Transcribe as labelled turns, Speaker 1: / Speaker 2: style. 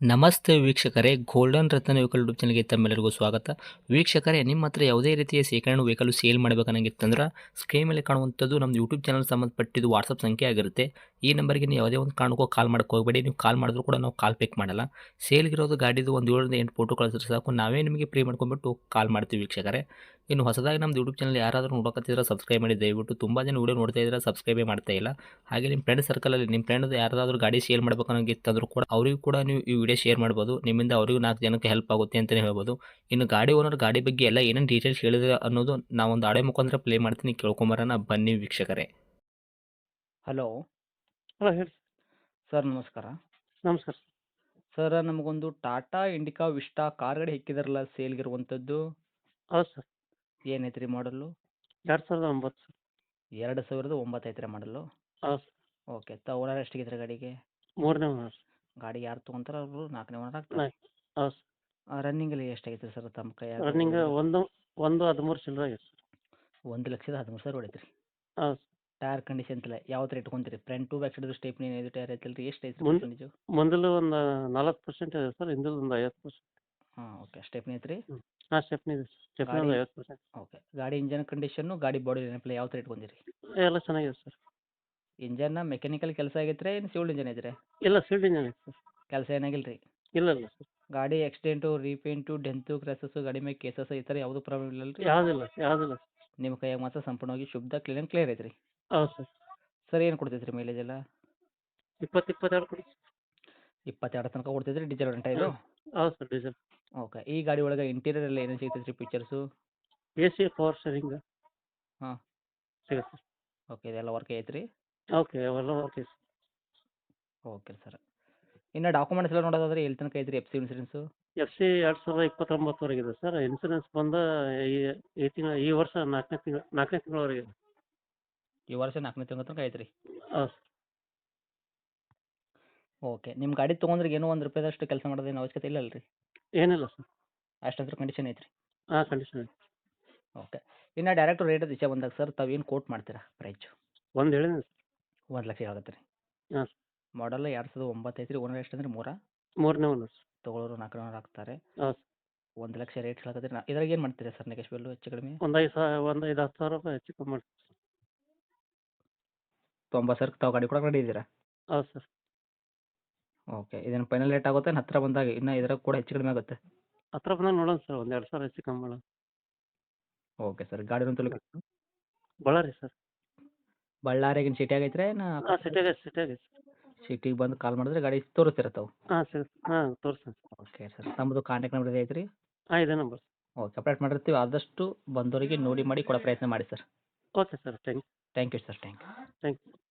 Speaker 1: ನಮಸ್ತೆ ವೀಕ್ಷಕರೇ, ಗೋಲ್ಡನ್ ರತ್ನ vehicle YouTube ಚಾನಲ್‌ಗೆ ತಮ್ಮೆಲ್ಲರಿಗೂ ಸ್ವಾಗತ. ವೀಕ್ಷಕರೇ, ನಿಮ್ಮ ಹತ್ರ ಯಾವುದೇ ರೀತಿಯ ಶೇಖರಣೆ ವೆಹಿಕಲ್ ಸೇಲ್ ಮಾಡಬೇಕನ್ನಂಗಿತ್ತಂದ್ರೆ ಸ್ಕ್ರೀನ್ ಮೇಲೆ ಕಾಣುವಂಥದ್ದು ನಮ್ಮ ಯೂಟ್ಯೂಬ್ ಚಾನಲ್ ಸಂಬಂಧಪಟ್ಟಿದ್ದು ವಾಟ್ಸಪ್ ಸಂಖ್ಯೆ ಆಗಿರುತ್ತೆ. ಈ ನಂಬರ್‌ಗೆ ನೀವು ಯಾವುದೇ ಒಂದು ಕಾರಣಕ್ಕೂ ಕಾಲ್ ಮಾಡಕ್ಕೆ ಹೋಗಬೇಡಿ. ನೀವು ಕಾಲ್ ಮಾಡಿದ್ರು ಕೂಡ ನಾವು ಕಾಲ್ ಪಿಕ್ ಮಾಡಲ್ಲ. ಸೇಲ್ಗಿರೋದು ಗಾಡಿದು ಒಂದು 7ರಿಂದ 8 ಫೋಟೋ ಕಳಿಸಿದ್ರೆ ಸಾಕು, ನಾವೇ ನಿಮಗೆ ಪ್ರೀ ಮಾಡ್ಕೊಂಡ್ಬಿಟ್ಟು ಕಾಲ್ ಮಾಡ್ತೀವಿ ವೀಕ್ಷಕರೇ. ಇನ್ನು ಹೊಸದಾಗಿ ನಮ್ಮದು ಯೂಟ್ಯೂಬ್ ಚಾನಲ್ ಯಾರಾದರೂ ನೋಡಕತ್ತಿದ್ರೆ ಸಬ್ಸ್ಕ್ರೈಬ್ ಮಾಡಿ ದಯವಿಟ್ಟು. ತುಂಬ ಜನ ವಿಡಿಯೋ ನೋಡ್ತಾ ಇದ್ದಾರೆ, ಸಬ್ಸ್ಕ್ರೈಬೇ ಮಾಡ್ತಾ ಇಲ್ಲ. ಹಾಗೆ ನಿಮ್ಮ ಫ್ರೆಂಡ್ ಸರ್ಕಲಲ್ಲಿ ನಿಮ್ಮ ಫ್ರೆಂಡ್ ಯಾರಾದರೂ ಗಾಡಿ ಸೇಲ್ ಮಾಡ್ಬೇಕನ್ನಂಗಿತ್ತಂದ್ರೂ ಕೂಡ ಅವರಿಗೂ ಕೂಡ ನೀವು ಈ ವಿಡಿಯೋ ಶೇರ್ ಮಾಡ್ಬೋದು. ನಿಮ್ಮಿಂದ ಅವರಿಗೂ 4 ಜನಕ್ಕೆ ಹೆಲ್ಪ್ ಆಗುತ್ತೆ ಅಂತಲೇ ಹೇಳ್ಬೋದು. ಇನ್ನು ಗಾಡಿ ಓನರ್ ಗಾಡಿ ಬಗ್ಗೆ ಎಲ್ಲ ಏನೇನು ಡೀಟೇಲ್ಸ್ ಹೇಳಿದ್ರೆ ಅನ್ನೋದು ನಾವೊಂದು ಆಡಿಯೋ ಮುಖಾಂತರ ಪ್ಲೇ ಮಾಡ್ತೀನಿ, ಕೇಳ್ಕೊಂಬರೋಣ ಬನ್ನಿ ವೀಕ್ಷಕರೇ. ಹಲೋ
Speaker 2: ಹಲೋ ಹೇಳಿ
Speaker 1: ಸರ್, ನಮಸ್ಕಾರ.
Speaker 2: ನಮಸ್ಕಾರ
Speaker 1: ಸರ್, ನಮಗೊಂದು ಟಾಟಾ ಇಂಡಿಕಾ ವಿಸ್ಟಾ ಕಾರ್ ಗಾಡಿ ಹೆಕ್ಕಿದಾರಲ್ಲ ಸೇಲ್ಗಿರುವಂಥದ್ದು,
Speaker 2: ಹೌದು ಸರ್
Speaker 1: ಏನೈತೆ ರೀ ಮಾಡಲು?
Speaker 2: 2009 ಸರ್
Speaker 1: 2009 ಐತ್ರಿ ಮಾಡಲು.
Speaker 2: ಹೌದು ಸರ್
Speaker 1: ಓಕೆ, ಓನರ್ ಎಷ್ಟಿಗಿದ್ರೆ ಗಾಡಿಗೆ?
Speaker 2: 3ನೇ ಓನರ್
Speaker 1: ಗಾಡಿ ಯಾರು ತೊಗೊಂತಾರ ಅವರು 4ನೇ ಓನರ್ ಆಗ್ತಾರೆ.
Speaker 2: ಹೌದು ಸರ್
Speaker 1: ರನ್ನಿಂಗಲ್ಲಿ ಎಷ್ಟಾಗೈತೆ ಸರ್ ತಮ್ಮ ಕೈಯಾಗ?
Speaker 2: ರನ್ನಿಂಗ್ ಒಂದು 13 ಚಿಲ್ಲರೆ ಆಗೈತೆ ಸರ್
Speaker 1: 1,13,000 ಹೊಡೈತೆ ರೀ.
Speaker 2: ಹೌದು ಸರ್
Speaker 1: ಟೈರ್ ಕಂಡೀಷನ್ ಎಲ್ಲ ಯಾವ ಥರ ಇಟ್ಕೊಂತೀರಿ? Front to back side stepney ಇದು ಟೈರ್ ಐತಲ್ಲ ರೀ, ಎಷ್ಟು ಐತೆ
Speaker 2: ಮುಂದೆ
Speaker 1: ಪರ್ಸೆಂಟೇಜು?
Speaker 2: ಮುಂದಲು ಒಂದು 40% ಇದೆ ಸರ್, ಹಿಂದಲು ಒಂದು 50%.
Speaker 1: ಹಾಂ, ಓಕೆ. ಸ್ಟೆಪ್ನಿ ಐತೆ ರೀ.
Speaker 2: ಹಾಂ ಸ್ಟೆಪ್ನಿ ಇದೆ ಸ್ಟೆಪ್ನಿ
Speaker 1: ಗಾಡಿ
Speaker 2: ಒಂದು 50%.
Speaker 1: ಓಕೆ. ಗಾಡಿ ಇಂಜನ್ ಕಂಡೀಷನ್ನು, ಗಾಡಿ ಬಾಡಿ ನೆನಪಲ್ಲ ಯಾವ ಥರ ಇಟ್ಕೊಂತೀರಿ?
Speaker 2: ಎಲ್ಲ ಚೆನ್ನಾಗಿದೆ ಸರ್.
Speaker 1: ಇಂಜನ್ನ ಮೆಕ್ಯಾನಿಕಲ್ ಕೆಲಸ ಆಗೈತೆ ರೀ, ಏನು ಸಿವಿಲ್ ಇಂಜನ್ ಐತೆ ರೀ?
Speaker 2: ಇಲ್ಲ ಸೀಲ್ಡ್ ಇಂಜನ್ ಇದೆ ಸರ್.
Speaker 1: ಕೆಲಸ ಏನಾಗಿಲ್ಲ ರೀ?
Speaker 2: ಇಲ್ಲ ಇಲ್ಲ ಸರ್
Speaker 1: ಗಾಡಿ ಆಕ್ಸಿಡೆಂಟು, ರೀಪೇಂಟು, ಡೆಂತು, ಕ್ರ್ಯಾಸಸ್ಸು, ಗಾಡಿ ಮೇಲೆ ಕೇಸಸ್ ಈ ಥರ ಯಾವುದೂ ಪ್ರಾಬ್ಲಮ್ ಇಲ್ಲ ರೀ?
Speaker 2: ಯಾವುದಿಲ್ಲ
Speaker 1: ನಿಮ್ಮ ಕೈಯಾಗ ಮಾತ್ರ ಸಂಪೂರ್ಣವಾಗಿ ಶುದ್ಧ ಕ್ಲಿಯರ್ ಐತೆ ರೀ.
Speaker 2: ಹೌದು ಸರ್.
Speaker 1: ಸರ್, ಏನು ಕೊಡ್ತೈತೆ ರೀ ಮೈಲೇಜ್ ಎಲ್ಲ?
Speaker 2: 22 ಕೊಡಿ.
Speaker 1: 22 ತನಕ ಕೊಡ್ತೈತೆ ರೀ. ಡೀಸೆಲ್ ಗಂಟ ಇದು?
Speaker 2: ಹೌದು ಸರ್ ಡೀಸೆಲ್.
Speaker 1: ಓಕೆ. ಈ ಗಾಡಿ ಒಳಗೆ ಇಂಟೀರಿಯರ್ ಎಲ್ಲ ಏನೇನು ಸಿಗ್ತೈತೆ ರೀ ಫೀಚರ್ಸು?
Speaker 2: AC ಪವರ್ ಸ್ಟೇರಿಂಗ್
Speaker 1: ಹಾಂ,
Speaker 2: ಸಿಗುತ್ತೆ ಸರ್.
Speaker 1: ಓಕೆ. ಇದೆಲ್ಲ ವರ್ಕ್ ಐತೆ ರೀ?
Speaker 2: ಓಕೆ ಅವೆಲ್ಲ ಓಕೆ ಸರ್.
Speaker 1: Okay sir. ಇನ್ನು ಡಾಕ್ಯುಮೆಂಟ್ಸ್ ಎಲ್ಲ ನೋಡೋದಾದ್ರೆ ಎಲ್ಲಿ ತನಕ ಐತೆ ರೀ? FC insurance?
Speaker 2: FC 2029 ಇದೆ ಸರ್. ಇನ್ಸೂರೆನ್ಸ್ ಬಂದು ಈ ವರ್ಷ 4ನೇ ತಿಂಗಳವರೆಗೆ.
Speaker 1: ಈ ವರ್ಷ 4ನೇ ತಿಂಗಳ ತನಕ ಐತೆ ರೀ.
Speaker 2: ಹೌದು ಸರ್.
Speaker 1: ಓಕೆ. ನಿಮ್ಮ ಗಾಡಿ ತೊಗೊಂಡ್ರೆ ಏನೋ ಒಂದು ರೂಪಾಯಿದಷ್ಟು ಕೆಲಸ ಮಾಡೋದೇನು ಅವಶ್ಯಕತೆ ಇಲ್ಲ ಅಲ್ರಿ?
Speaker 2: ಏನಿಲ್ಲ ಸರ್.
Speaker 1: ಅಷ್ಟಂತ್ರ ಕಂಡೀಷನ್ ಐತೆ ರೀ.
Speaker 2: ಹಾಂ ಕಂಡೀಷನ್ ಐತೆ.
Speaker 1: ಓಕೆ. ಇನ್ನು ಡೈರೆಕ್ಟ್ ರೇಟ್ ವಿಷಯ ಬಂದಾಗ ಸರ್, ತಾವು ಏನು ಕೋಟ್ ಮಾಡ್ತೀರಾ ಪ್ರೈಜು?
Speaker 2: ಒಂದು ಹೇಳಿದ್ದೀನಿ ಸರ್.
Speaker 1: 1,00,000 ಆಗುತ್ತೆ ರೀ.
Speaker 2: ಹಾಂ ಸರ್.
Speaker 1: ಮಾಡಲ್ 2009 ಐತೆ ರೀ. ಓನರ್ ಎಷ್ಟಂದ್ರೆ 3?
Speaker 2: 3ನೇ ಓನರ್ ಸರ್.
Speaker 1: ತೊಗೊಳೋರು 4ನೇ ಓನರ್ ಆಗ್ತಾರೆ.
Speaker 2: ಹೌದು ಸರ್.
Speaker 1: 1,00,000 ರೇಟ್ ಹೇಳಕತ್ತೀರಿ. ಇದ್ರಾಗ ಏನು ಮಾಡ್ತೀರಾ ಸರ್ ನೆಗೆಶ್ಬಲ್ಲು ಹೆಚ್ಚು ಕಡಿಮೆ?
Speaker 2: ಒಂದು 10,000 ರೂಪಾಯಿ ಹೆಚ್ಚು ಕಮ್ಮಿ ಮಾಡಿ.
Speaker 1: 90,000 ತಾವು ಗಾಡಿ ಕೂಡ ರೆಡಿ ಇದ್ದೀರಾ?
Speaker 2: ಹೌದು ಸರ್.
Speaker 1: ಓಕೆ. ಇದೇನು ಫೈನಲ್ ರೇಟ್ ಆಗುತ್ತೆ ಹತ್ತಿರ ಬಂದಾಗ? ಇನ್ನು ಇದ್ರಾಗ ಕೂಡ ಹೆಚ್ಚು ಕಡಿಮೆ ಆಗುತ್ತೆ?
Speaker 2: ಹತ್ರ ಬಂದಾಗ ನೋಡೋಣ ಸರ್, ಒಂದು 2,000 ಹೆಚ್ಚು ಕಮ್ಮಿ ಮಾಡೋಣ.
Speaker 1: Okay sir. ಗಾಡಿ ತಲುಪ
Speaker 2: ಬಳ್ಳಾರಿ ಸರ್.
Speaker 1: ಬಳ್ಳಾರಿಯಾಗಿನ ಸಿಟಿ ಆಗೈತ್ರಿ ಏನು?
Speaker 2: ಹಾಂ ಸಿಟಿಯಾಗೆ ಸರ್.
Speaker 1: ಸಿಟಿಗೆ ಬಂದು ಕಾಲ್ ಮಾಡಿದ್ರೆ ಗಾಡಿ ತೋರಿಸ್ತೀರ ತಾವು?
Speaker 2: ಹಾಂ ಸರ್. ಹಾಂ ತೋರಿಸ್ತೀನಿ ಸರ್.
Speaker 1: Okay sir. ನಮ್ಮದು ಕಾಂಟ್ಯಾಕ್ಟ್ ನಂಬರ್ ಐತೆ ರೀ?
Speaker 2: ಹಾಂ ಇದೇ ನಂಬರ್.
Speaker 1: ಓಕೆ. ಅಪ್ಡೇಟ್ ಮಾಡಿರ್ತೀವಿ. ಆದಷ್ಟು ಬಂದವರಿಗೆ ನೋಡಿ ಮಾಡಿ ಕೊಡೋ ಪ್ರಯತ್ನ ಮಾಡಿ sir.
Speaker 2: Okay sir. Thank
Speaker 1: thank you sir. Thank you.
Speaker 2: You.